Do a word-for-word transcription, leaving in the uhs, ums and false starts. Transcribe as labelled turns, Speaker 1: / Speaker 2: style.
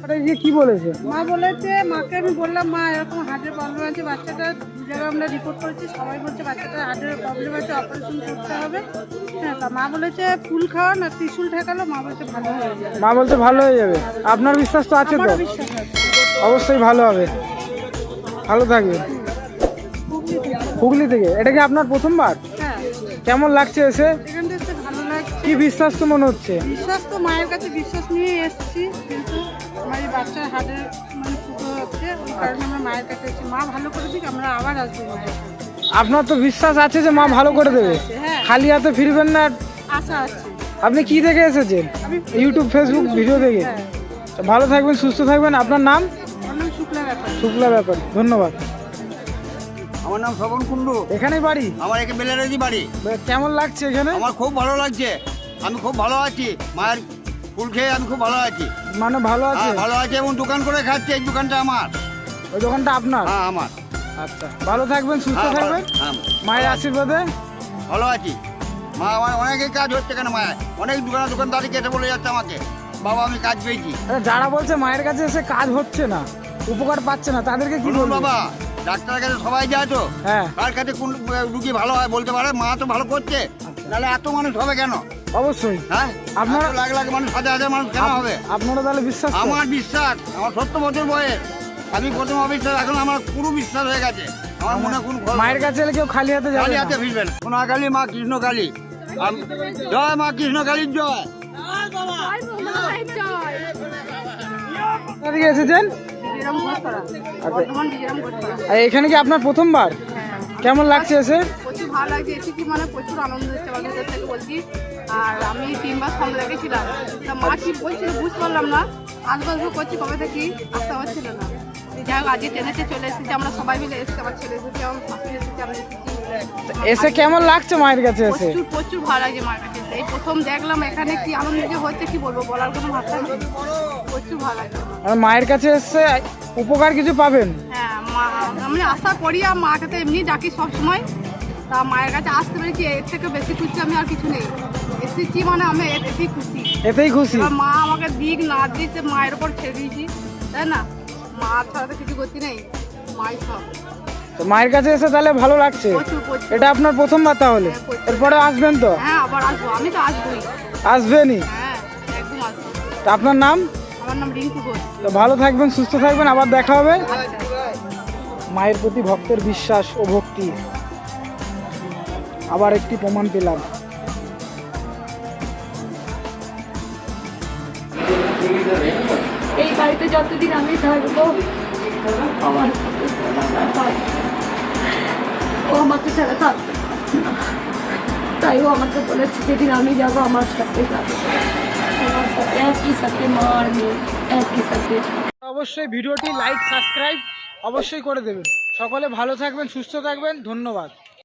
Speaker 1: কি বলেছে?
Speaker 2: মা বলেছে, মাকে আমি বললাম মা এরকম হার্টের প্রবলেম আছে বাচ্চাটা, দু জায়গায় আমরা রিপোর্ট করেছি, সবাই বলছে বাচ্চাটার হার্টের প্রবলেম আছে, অপারেশন করতে হবে। হ্যাঁ, তা মা বলেছে ফুল খাওয়ান আর ত্রিশুল ঠেকালো, মা বলছে ভালো হয়ে যাবে।
Speaker 1: মা বলছে ভালো হয়ে যাবে। আপনার বিশ্বাস তো আছে তো?
Speaker 2: আমারও বিশ্বাস আছে।
Speaker 1: অবশ্যই ভালো হবে। ভালো থাকবে। হুগলি থেকে। এটা কি আপনার প্রথমবার?
Speaker 2: হ্যাঁ।
Speaker 1: কেমন লাগছে এসে?
Speaker 2: এখান থেকে এসে ভালো লাগছে।
Speaker 1: কি বিশ্বাস তো মনে হচ্ছে?
Speaker 2: বিশ্বাস তো মায়ের কাছে বিশ্বাস নিয়ে এসেছি, কিন্তু আমার এই বাচ্চার হার্টের মানে ফুটো হচ্ছে, ওই কারণে আমরা মায়ের কাছে এসেছি। মা ভালো করে দিক, আমরা আবার আসবো মায়ের কাছে।
Speaker 1: আপনার তো বিশ্বাস আছে যে মা ভালো করে দেবে,
Speaker 2: হ্যাঁ।
Speaker 1: খালি হাতে ফিরবেন না।
Speaker 2: আশা আছে।
Speaker 1: আপনি কি থেকে এসেছেন?
Speaker 2: আমি
Speaker 1: ইউটিউব ফেসবুক ভিডিও থেকে।
Speaker 2: হ্যাঁ।
Speaker 1: ভালো থাকবেন, সুস্থ থাকবেন। আপনার নাম?
Speaker 2: আমার নাম শুক্লা ব্যাপার।
Speaker 1: শুক্লা ব্যাপারী, ধন্যবাদ।
Speaker 3: আমার নাম শ্রবণ কুণ্ডু।
Speaker 1: এখানেই বাড়ি?
Speaker 3: আমার একে বেলারেজি বাড়ি।
Speaker 1: কেমন লাগছে এখানে?
Speaker 3: আমার খুব ভালো লাগছে, আমি খুব ভালো আছি, মায়ের ফুল খেয়ে আমি খুব ভালো আছি।
Speaker 1: মানে ভালো আছে?
Speaker 3: হ্যাঁ, ভালো আছে এবং দোকান করে খাচ্ছি। এই দোকানটা আমার।
Speaker 1: ওই দোকানটা আপনার?
Speaker 3: হ্যাঁ, আমার।
Speaker 1: আচ্ছা, ভালো থাকবেন, সুস্থ
Speaker 3: হ্যাঁ, ভালো-
Speaker 1: থাকবেন,
Speaker 3: হ্যাঁ,
Speaker 1: মায়ের আশীর্বাদে।
Speaker 3: ভালো আছি। মা আমার অনেকেই কাজ হচ্ছে কেন, মায়ের অনেক দোকানে দোকানদারি কেটে বলে যাচ্ছে আমাকে, বাবা আমি কাজ পেয়েছি।
Speaker 1: আরে যারা বলছে মায়ের কাছে এসে কাজ হচ্ছে না, উপকার পাচ্ছে না, তাদেরকে কি
Speaker 3: বলুন
Speaker 1: বলবো?
Speaker 3: বাবা, ডাক্তারের কাছে সবাই যায় তো,
Speaker 1: হ্যাঁ,
Speaker 3: কার কাছে কোন রুগী ভালো হয় বলতে পারে, মা তো ভালো করছে, নাহলে এত মানুষ হবে কেন?
Speaker 1: অবশ্যই।
Speaker 3: হ্যাঁ,
Speaker 1: আপনারা-
Speaker 3: আপনার লাখ লাখ মানুষ, হাজার হাজার মানুষ কেন হবে?
Speaker 1: আপনারা তাহলে বিশ্বাস করেন?
Speaker 3: আমার বিশ্বাস, আমার সত্তর বছর বয়স, আমি প্রথম অবিশ্বাস, এখন আমার পুরো বিশ্বাস হয়ে গেছে। আমার মনে কোন
Speaker 1: মায়ের কাছে এলে কেউ খালি হাতে যাবে
Speaker 3: কালী
Speaker 1: না।
Speaker 3: হাতে ফিরবেন। সোনাকালী মা কৃষ্ণ কালী, আম- জয় মা কৃষ্ণ কালীর জয়।
Speaker 1: কোথা থেকে এসেছেন?
Speaker 2: বিজয়রাম ঘোষপাড়া, বর্ধমান বিজয়রাম ঘোষপাড়া।
Speaker 1: আর এখানে কি আপনার প্রথমবার?
Speaker 2: হ্যাঁ।
Speaker 1: কেমন লাগছে এসে?
Speaker 2: প্রচুর ভালো লাগছে, এসেছি মানে প্রচুর আনন্দ হচ্ছে আমার ভেতর থেকে বলছি। আর আমি তিনবার ফর্ম লেগেছিলাম, তা মা কি বলছিল বুঝতে পারলাম না, আসবো আসবো করছি কবে থেকে, আসতে পারছিল না। যাই হোক আজকে ট্রেনেতে চলে এসেছি, আমরা সবাই মিলে এসেছি, আমার ছেলে এসেছি, আমার শাশুড়ি এসেছি, আমরা এসেছি।
Speaker 1: এসে কেমন লাগছে মায়ের কাছে এসে?
Speaker 2: প্রচুর প্রচুর ভালো লাগছে মার কাছে এসে। এই প্রথম দেখলাম এখানে কি আনন্দ যে হচ্ছে, কি বলবো, বলার কোনো ভাষা নেই। প্রচুর ভালো লাগছে আমার।
Speaker 1: আর মায়ের কাছে এসে উপকার কিছু পাবেন?
Speaker 2: হ্যাঁ, মা আমি আশা করি, আর মাকে তো এমনি ডাকি সবসময়, তা মায়ের কাছে আসতে পেরেছি, এর থেকে বেশি খুশি আমি আর কিছু নেই। এসেছি মানে আমি এ- এতেই খুশি।
Speaker 1: এতেই খুশি?
Speaker 2: এবার মা আমাকে দিক না দিতে মায়ের উপর ছেড়ে দিয়েছি, তাই না? মা ছাড়া তো কিছু করতে নেই, মাই সব।
Speaker 1: তো মায়ের কাছে এসে তাহলে ভালো লাগছে?
Speaker 2: প্রচুর প্রচুর।
Speaker 1: এটা আপনার প্রথমবার তাহলে?
Speaker 2: হ্যাঁ, প্রচুর।
Speaker 1: এরপরে আসবেন তো?
Speaker 2: হ্যাঁ, আবার আসবো, আমি তো আসবোই।
Speaker 1: আসবেনই?
Speaker 2: হ্যাঁ, একদম আসবো।
Speaker 1: তো আপনার নাম?
Speaker 2: আমার নাম রিঙ্কু ঘোষ।
Speaker 1: তো ভালো থাকবেন, সুস্থ থাকবেন, আবার দেখা হবে।
Speaker 2: আচ্ছা।
Speaker 1: মায়ের প্রতি ভক্তের বিশ্বাস ও ভক্তি আবার একটি প্রমাণ পেলাম।
Speaker 4: এই বাড়িতে যতদিন আমি থাকবো আমার ও আমাকে ছাড়া থাকবে না। তাই ও আমাকে বলেছে যেদিন আমি যাবো আমার সাথে যাবে, আমার সাথে একই সাথে মার মেয়ে একই সাথে।
Speaker 1: অবশ্যই ভিডিওটি লাইক সাবস্ক্রাইব অবশ্যই করে দেবেন। সকলে ভালো থাকবেন, সুস্থ থাকবেন, ধন্যবাদ।